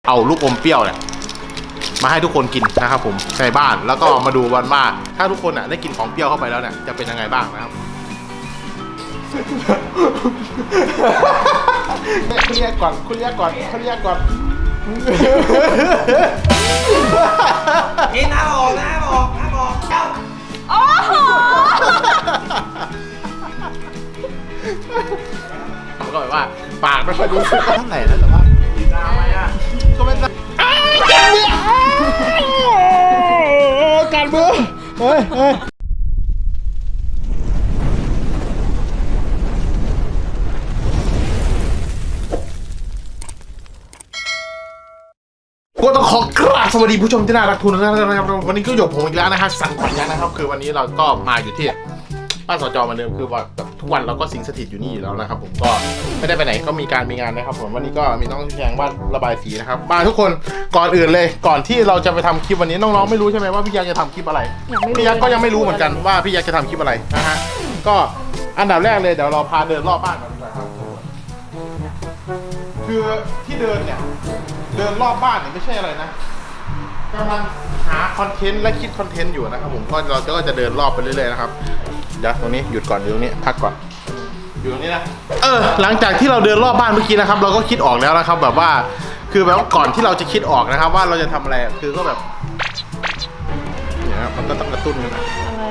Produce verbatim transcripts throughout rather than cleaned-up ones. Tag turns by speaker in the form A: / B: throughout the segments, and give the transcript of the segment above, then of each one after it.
A: เอาลูกอมเปรี้ยวเนี่ยมาให้ทุกคนกินนะครับผมในบ้านแล้วก็มาดูวันว่าถ้าทุกคนอ่ะได้กินของเปรี้ยวเข้าไปแล้วเนี่ยจะเป็นยังไงบ้างนะครับคุณเรียกก่อนคุณเรียกก่อนคุณเรียกก่อน
B: กินน้ำออกน้ำออกน้ำออกเจ้า
C: โอ้โห
A: ก็แบบว่าปากไม่ค่อยรู้สึกเท่าไหร่นะแต่ว่ากินน้ำไหมอ่ะก็ไม่ได้การเมืองเฮ้ยเฮ้ยก็ต้องขอกราบสวัสดีผู้ชมที่น่ารักทุกท่านนะครับวันนี้ก็อยู่ผมอีกแล้วนะครับสันขวัญยักษ์นะครับคือวันนี้เราก็มาอยู่ที่บ้านสจเหมือนเดิมคือว่าทุกวันเราก็สิงสถิตอยู่นี่อยู่แล้วนะครับผมก็ไม่ได้ไปไหนก็มีการมีงานนะครับผมวันนี้ก็มีน้องแจงวาดระบายสีนะครับมาทุกคนก่อนอื่นเลยก่อนที่เราจะไปทำคลิปวันนี้น้องๆไม่รู้ใช่ไหมว่าพี่ยักษ์จะทำคลิปอะไรพี่ยักษ์ก็ยังไม่รู้เหมือนกันว่าพี่ยักษ์จะทำคลิปอะไรนะฮะก็อันดับแรกเลยเดี๋ยวเราพาเดินรอบบ้านก่อนดีกว่าครับคือที่เดินเนี่ยเดินรอบบ้านเนี่ยไม่ใช่อะไรนะกำลังหาคอนเทนต์และคิดคอนเทนต์อยู่นะครับผมก็เราก็จะเดินรอบไปเรื่อยๆนะครับเดี๋ยวตรงนี้หยุดก่อนอยู่ตรงนี้พักก่อนอยู่ตรงนี้นะเออหลังจากที่เราเดินรอบบ้านเมื่อกี้นะครับเราก็คิดออกแล้วนะครับแบบว่าคือแบบก่อนที่เราจะคิดออกนะครับว่าเราจะทำอะไรคือก็แบบเนี่ยครับมันก็ต้องกระตุ้นกันนะ
C: อะไร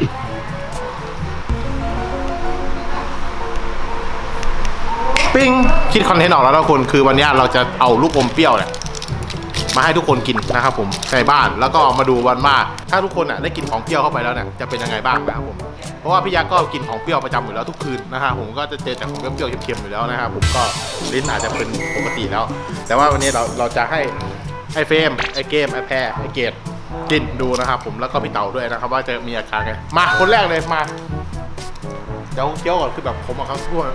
A: ปิ้งคิดคอนเทนต์ออกแล้วทุกคนคือวันนี้เราจะเอาลูกอมเปรี้ยวเนี่ยมาให้ทุกคนกินนะครับผมในบ้านแล้วก็มาดูวันว่าถ้าทุกคนอ่ะได้กินของเปรี้ยวเข้าไปแล้วเนี่ยจะเป็นยังไงบ้างนะครับผมเพราะว่าพี่ยักษ์ก็กินของเปรี้ยวประจำอยู่แล้วทุกคืนนะฮะผมก็จะเจอแต่ของเปรี้ยวๆเค็มๆอยู่แล้วนะครับผมก็ลิ้นอาจจะเป็นปกติแล้วแต่ว่าวันนี้เราเราจะให้ไอ้เฟรมไอ้เกมไอ้แพรไอ้เกดกินดูนะครับผมแล้วก็พี่เต่าด้วยนะครับว่าจะมีอาการไงมาคนแรกเลยมาเดี๋ยวเคี้ยวก่อนคือแบบผมกับเขาทั่ว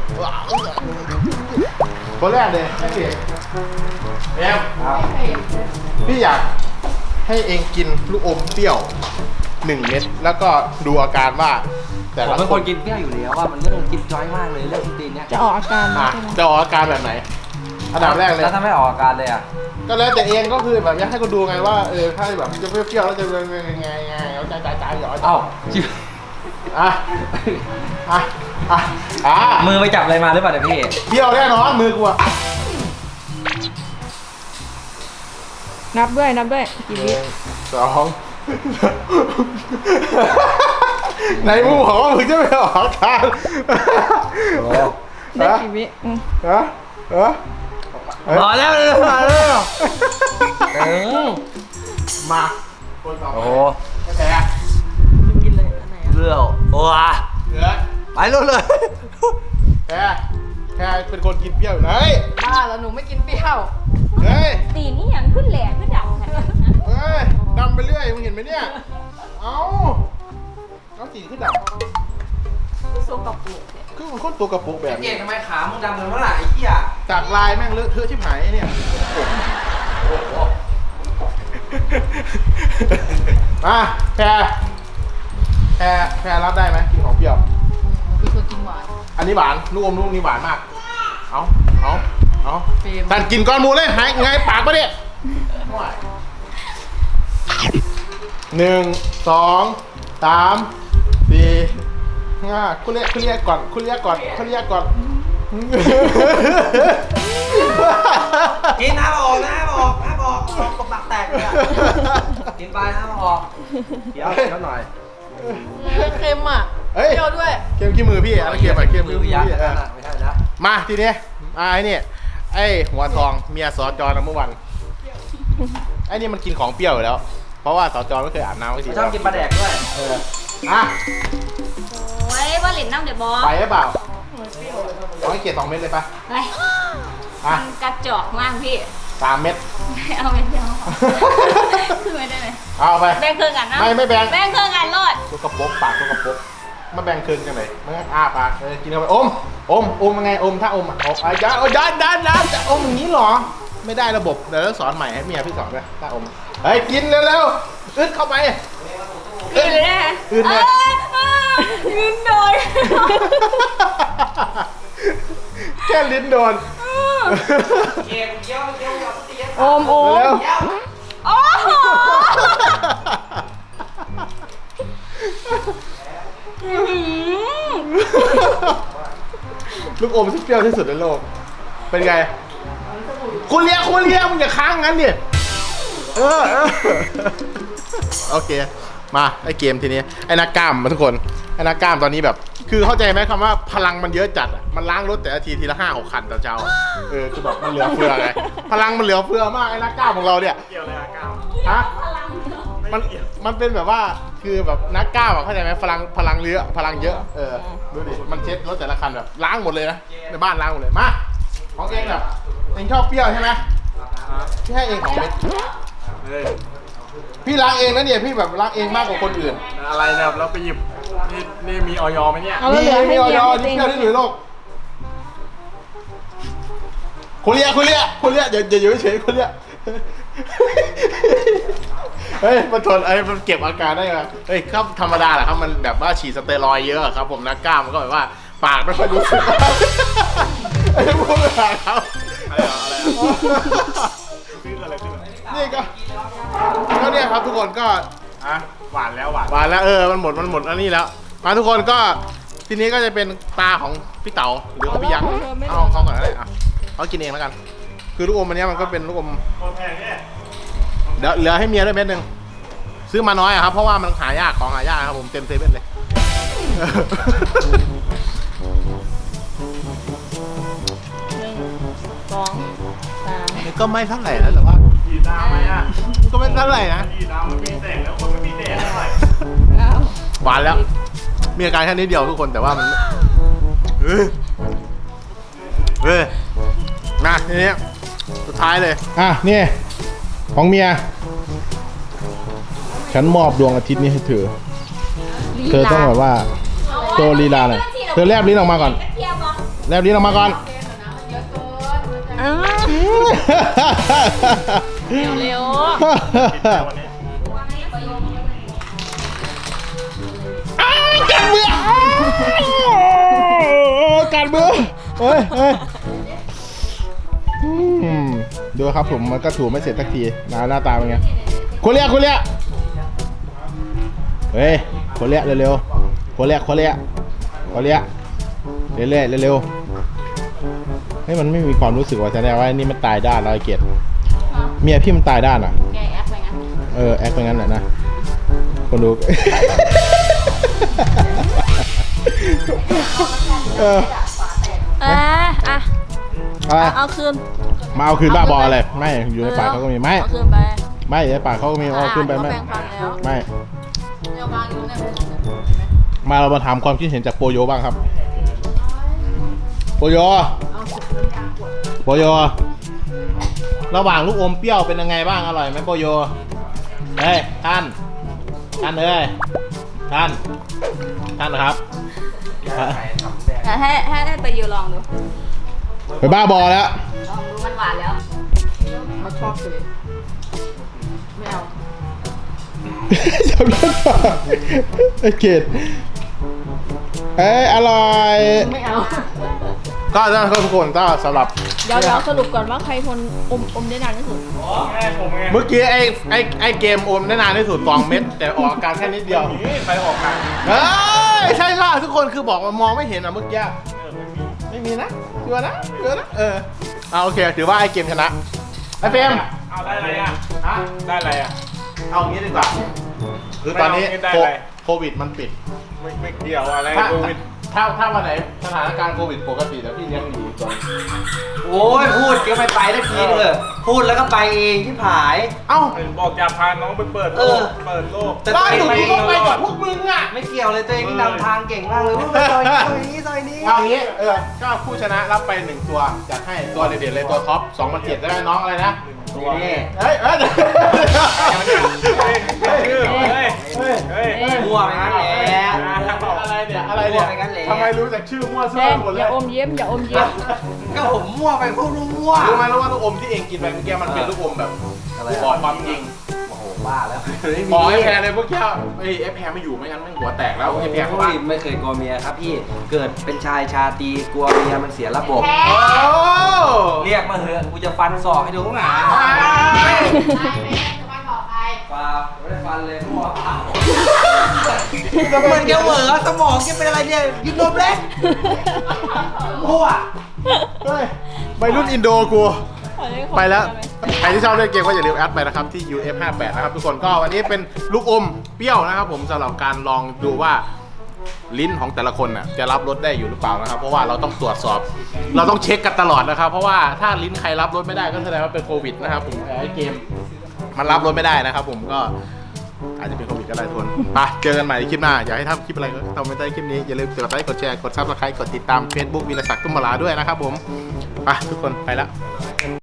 A: คนแรกเลยไอ้เกดแอมพี่อยากให้เองกินลูกอมเปรี้ยวหนึ่งเม็ดแล้วก็ดูอาการว่าแต่
B: ผม
A: ละ
B: เป็น
A: ค
B: คน นกินเปรี้ยวอยู่แล้วว่ามันเรื่องกินจ้อยมากเลยเรื่องตีนเนี่ย
C: จะออกอาการ
A: อ่ะ
C: ใช่ไหม
A: จะออกอาการแบบไหนอันดับแรกเลย
B: แล้วถ้าไม่ออกอาการเลยอ่ะ
A: ก็แล้วแต่เองก็คือแบบอยากให้คนดูไงว่าเออถ้าแบบจะเปรี้ยวๆแล้วจะเป็นยังไงไงเอาใจใจใจหยอด
B: เอ้า
A: อ่ะอ่ะอ่ะอ่ะ
B: มือไปจับอะไรมาหรือเปล่าเนี่ยพี่
A: เปรี้ยวแน่นอนมือกูอะ
C: นับด้วยนับด้วยกี่วิ
A: สองในมึงบอกว่ามึงจะไม่ออกอาการ
C: ได้กี่วิอืม
A: ฮะฮะ
B: พอแล้วเลยพอแล้วเออ
A: มาคนต่อไป
B: โอ้โห
A: แพ้
C: กินเลยอันไหน
B: เรื่องโอ้ย
A: เหลือ
B: ไปรู้เลย
A: แพ้แพ้เป็นคนกินเปรี้ยวอยู่ไหน
C: บ้าแล้วหนูไม่กินเปรี้ยว
A: เฮ้ย
D: ตีนี่ยังขึ้นแหลกขึ้นดับขนาดนั้น
A: เฮ้ยดำไปเรื่อยมึงเห็นไหมเนี่ย เอาเอาสีขึ้นดำ
D: โซกับปูเนี่ย
A: คือมันโคตรตัวกระปุกแบบ
B: เก่
A: นี้
B: งทำไมขามึงดำเลยเมื่อไหร่ไอ้เหี้ย
A: จากลายแม่งเลอะเทอะชิบหายเนี่ย
B: โอ้โห
A: มาแพรแพรแพรรับได้ไหมกินของเปรี้ยว
C: คือคนกินหวาน
A: อันนี้หวานลูกอมลูกนี้หวานมาก เอาเอาเอา
C: เฟรม
A: ท่านกินก้อนหมูเลยหายไงปากปะเนี่ยหนึ่งสองสามสี่ห้าคุณเรียกคุณเรียกก่อนคุณเรียกก่อนคุณเรียกก่อน
B: กินน้ำออกน้ำออกน้ำออกออกกบปากแตกเลยอะกินไปน้ำออกเดี๋ยวเดี๋ยวหน่อย
C: เค็มอ่ะ
A: เฮ้ย
C: เปรี้ยวด้วย
A: เค็มขี้มือพี่อะไรเค็มอะไรเค็ม
B: มื
A: ขี้
B: อ
A: มือ
B: ยักษ์
A: พี่
B: นั่นน่ะไม่ใช่นะ
A: มาทีนี้มาไอ้นี่ไอ้หัวทองเมียสอจอนะเมื่อวันไอ้นี่มันกินของเปรี้ยวอยู่แล้ว เพราะว่าสอจอไม่เคยอาบน้ำไม่ที
B: ชอบกินปลาแดกด้วย
A: เอออ่ะ
D: โอ้ยว่าหลินน้ำเดี๋ยวบอ
A: ไปหรือเปล่าเอาให้เกียรติสองเม็ดเลยปะ
D: ไป
A: อ่ะ
D: มันกระจอกมากพี่
A: สามเม็ด
D: ไม่เอาไม่เอาคือไม่ได้ไหม
A: เอาไป
D: แบ่งเครื่องกันนะ
A: ไม่ไม่แบ่ง
D: แบ่งเครื่องกันรอด
A: ตัวกระปกปากตัวกระปกมาแบ่งคืนกันเลยมันอ้าปากเออกินเข้าไปอมอมอมยังไงอมถ้าอมอ่ะอมอ่ะยันยันยันยันจะอมอย่างนี้เหรอไม่ได้ระบบเดี๋ยวสอนใหม่ให้เมียพี่สอนด้วยถ้าอมเฮ้ยกินเร็วๆอึดเข้าไป
D: อื่นเลยนะ
A: อื่นเลย
D: ยืนโดย
A: แค่ลิ้นโดน
B: เกมเยี่ยวเยี่ยวเยี่ยวตี
C: โอมโอม
A: เร็ว
D: โอ้โห
A: ลูกอมที่เปรี้ยวที่สุดในโลก เป็นไง คุณเลี้ยงคุณเลี้ยงมึงอย่าค้างงั้นดิ เออเออโอเค มาไอเกมทีนี้ ไอ้นักกล้ามมาทุกคน ไอ้นักกล้ามตอนนี้แบบ คือเข้าใจไหมคำว่าพลังมันเยอะจัดอ่ะ มันล้างรถแต่ละทีทีละห้าหกคันต่อเช้า เออ คือแบบมันเหลือเฟือไง พลังมันเหลือเฟือมากไอ้นักกล้ามของเราเนี่ย
B: เกี่ยวอะไรอะก้าว
A: ฮะ มัน มันเป็นแบบว่า คือแบบนักกล้ามอะเข้าใจไหมพลัง พลังเยอะ พลังเยอะ เออ ดูดิ มันเช็ดรถแต่ละคันแบบล้างหมดเลยนะ ในบ้านล้างหมดเลย มา ของเองแบบเองชอบเปรี้ยวใช่ไหมพี่ให้เองของเม็ด
B: เฮ้ย
A: พี่ล้างเองนะเนี่ย พี่แบบล้างเองมากกว่าคนอื่น
B: อะไรเนี่ยเราไปหยิบนี่นี่มีออยไหมเนี่ย
C: เอาแล้วเหลือให้
A: มีออย
C: เมีย
A: นี่เปรี้ยวที่สุดในโลกคุณเลียคุณเลียคุณเลียอย่าอย่าอยู่เฉยคุณเลียเฮ้ยมันทนไอ้มันเก็บอาการได้ไงเฮ้ยครับธรรมดาแหละครับมันแบบว่าฉีดสเตียรอยด์เยอะครับผมนักกล้ามมันก็แบบว่าปากไม่ค่อยรู้สึกไอ้พวกนี้ครับ
B: อะไรอะอะไรอะซื้ออะไรซื้ออะไร
A: นี่ก็ก็เนี่ยครับทุกคนก็
B: อ่ะหวานแล้วหวาน
A: หวานแล้วเออมันหมดมันหมดอันนี้แล้วมาทุกคนก็ทีนี้ก็จะเป็นตาของพี่เต๋าหรือของพี่ยักษ์เอาของเขาก่อนก็ได้อ่ะเขากินเองแล้วกัน คือลูกอมอันนี้มันก็เป็นลูกอม
B: โคตรแพงเนี่ย
A: เดี๋ยวเหลือให้เมียด้วยเม็ดหนึ่งซื้อมาน้อยอะครับเพราะว่ามันหายากของหายากครับผมเต็มเซเว่นเลย
C: สองสาม
A: นี่ก็ไม่เท่าไหร่นะแต่ว่า
B: กี่ดาวไหมอ่ะ
A: ก็ไม่เท่าไหร่นะ
B: กี่ดาวมันมีแสงแล้วคนไม่มีแดดเท่าไหร่
C: เก้า
A: หวานแล้วมีอาการแค่นิดเดียวทุกคนแต่ว่ามันเฮ้ยเฮ้ยมาทีนี้สุดท้ายเลยอ่ะนี่ของเมียฉันมอบดวงอาทิตย์นี้ให้เธอเธอต้องแบบว่าโชว์ลีลาหน่อยเธอแลบลิ้นออกมาก่อน
D: เทียบเหรอ
A: แลบลิ้นออกมาก่อน
C: อ้าวเร็ว
B: วันนี้
A: การเมืองการเมืองเฮ้ยเฮ้ยอืมดูครับผมมันก็ถูไม่เสร็จสักทีหน้าหน้าตาเป็นไงคนเรียกคนเรียกเฮ้ยคนเรียกเร็วๆคนเรียกคนเรียกคนเรียกเรื่อยๆเร็วๆเฮ้ยมันไม่มีความรู้สึกว่าแสดงว่านี่มันตายด้านแล้วไอ้เกียรติเมียพี่มันตายด้านอ่ะ
C: แกแอปไปงั้น
A: เออแอคไปงั้นแหละนะคนดู เออ
C: อ่ะอ่ะ
A: อะไร
C: เอาคืน
A: มาเอาคืนบ้าบออะไรไม่อยู่ในปากเขาก็มีไม่
C: เอาคืนไป
A: ไม่ในปากเขาก็มีเอาคืนไปไม่
C: แบ่งฟันแล้ว
A: ไม่
C: เดี๋ยววางอยู่เนี่ย
A: มาเรามาถามความคิดเห็นจากโปโยบ้างครับโปโยโปโยระหว่างลูกอมเปรี้ยวเป็นยังไงบ้างอร่อยไหมโปโยเฮ้ยท่านท่านเอ้ยท่านท่านนะครับ
D: แต่ให้ให้ให้ไปยูลองดู
A: ไปบ้าบอแล้ว
D: ลองดูมันหวานแล้ว
C: มาชอบเลยไม่เอา
A: จำได้ปะไอเกดเอ้ยอร่อย
C: ไม่เอา
A: ก็ท่านทุกคนก็สำหรับ
C: เดี๋ยวเดี๋ยวสรุปก่อนว่าใครทนอมอมได้นานที่สุด
B: แม่ผมไง
A: เมื่อกี้ไอ้ไอ้ไอ้เกมอมได้นานที่สุดสองเม็ดแต่ออกอาการแค่นิดเดียว
B: นี่ไปออกกัน
A: เฮ้ยใช่ค่ะทุกคนคือบอกว่ามองไม่เห็นอ่ะเมื่อกี้
B: เออไม่มี
A: ไม่มีนะเชื่อนะเชื่อนะเออเอาโอเคถือว่าไอ้เกมชนะไอ้เฟรม
B: เอาได้อะไรอ่ะ
A: ฮะ
B: ได้อะไรอ่ะ
A: เอางี้ดีกว่าคือตอนนี้
B: ไม่เอาไม่ได้
A: โค
B: อะไร
A: โควิดมันปิด
B: ไม่ไม่เกี่ยวอะไร
A: ถ้า
B: โควิด
A: ถ้าถ้าวันไหนสถานการณ์โควิดปกติแล้วพี่เลี้ยงหนีก่อน
B: โอ้ยพูดก็ไม่ไปได้ทีเถอะพูดแล้วก็ไปเองที่ผาย
A: เอ้า
B: บอกจะพาน้องไปเปิดโลกเปิดโลก
A: ล่าสุดกูก็ไปกับพวกมึงอ่ะ
B: ไม่เกี่ยวเลยตัวเองที่นำทางเก่งมากเลยว่าไปซอยนี้ซอยนี้ซอยนี้
A: เอางี้เออก็ผู้ชนะรับไปหนึ่งตัวจัดให้ตัวเด็ดๆเลยตัวท็อปสองพันเจ็ดได้ไหมน้องอะไรนะ
B: นี่
A: เฮ้ยเฮ้ย
B: เฮ้ยเฮ้ยเฮ้ยเฮ้ยเฮ้ย
E: มั่วไปงั้นแหละ
A: อะไรเนี่ยอะไรเนี่ยทำไมรู้จักชื่อมั่วซั่
C: แด
A: ว
C: ง
A: หมดเล
C: อย่าย อมเยี่ยมอย่าอมเยี่ยม
E: ก็ผมมั่วไปพวกรู้มั่ว
A: รู้ไหมรู้ว่าลูกอมที่เองกินไปเมื่อกี้มันเป็นลูกอมแบบบอกความจริง
B: บ้าแล้วไม่มี
A: ขอไอ้แพรเลยพวกเจ้าไอ้ไอ้แพรไม่อยู่ไม่งั้นแม่งหัวแตกแล้วไอ้แพรเขาบ้า
B: ไม่เคยกลัวเมียครับพี่เกิดเป็นชายชาตรีกลัวเมียมันเสียระบบ
A: โอ้
B: เรียกมาเถอะกูจะฟันศอกให้ดูหนา ปลาไม่ได้ฟันเลยหัวเปล่ามันแกเหวอสมองแกเป็นอะไรเนี่ยยืนนมเล็กหัว
A: เฮ้ยวัยรุ่นอินโดกู ไปแล้ว ใครที่ชอบเล่นเกมก็อย่าลืมแอดไปนะครับที่ ยู เอฟ ห้าแปด นะครับทุกคนก็วันนี้เป็นลูกอมเปรี้ยวนะครับผมสำหรับการลองดูว่าลิ้นของแต่ละคนน่ะจะรับรสได้อยู่หรือเปล่านะครับเพราะว่าเราต้องตรวจสอบ เราต้องเช็คกันตลอดนะครับเพราะว่าถ้าลิ้นใครรับรสไม่ได้ก็แสดงว่าเป็นโควิดนะครับผมไอ้เกมมันรับรสไม่ได้นะครับผมก็อาจจะเป็นโควิดก็ได้ทุกคนไปเจอกันใหม่ในคลิปหน้าอยากให้ทำคลิปอะไรก็ทำไม่ได้คลิปนี้อย่าลืมกดไลค์กดแชร์กดซับสไครต์กดติดตาม Facebook วีรศักดิ์ตุ้มมาลาด้วยนะครับผมไปทุกคนไปแล้ว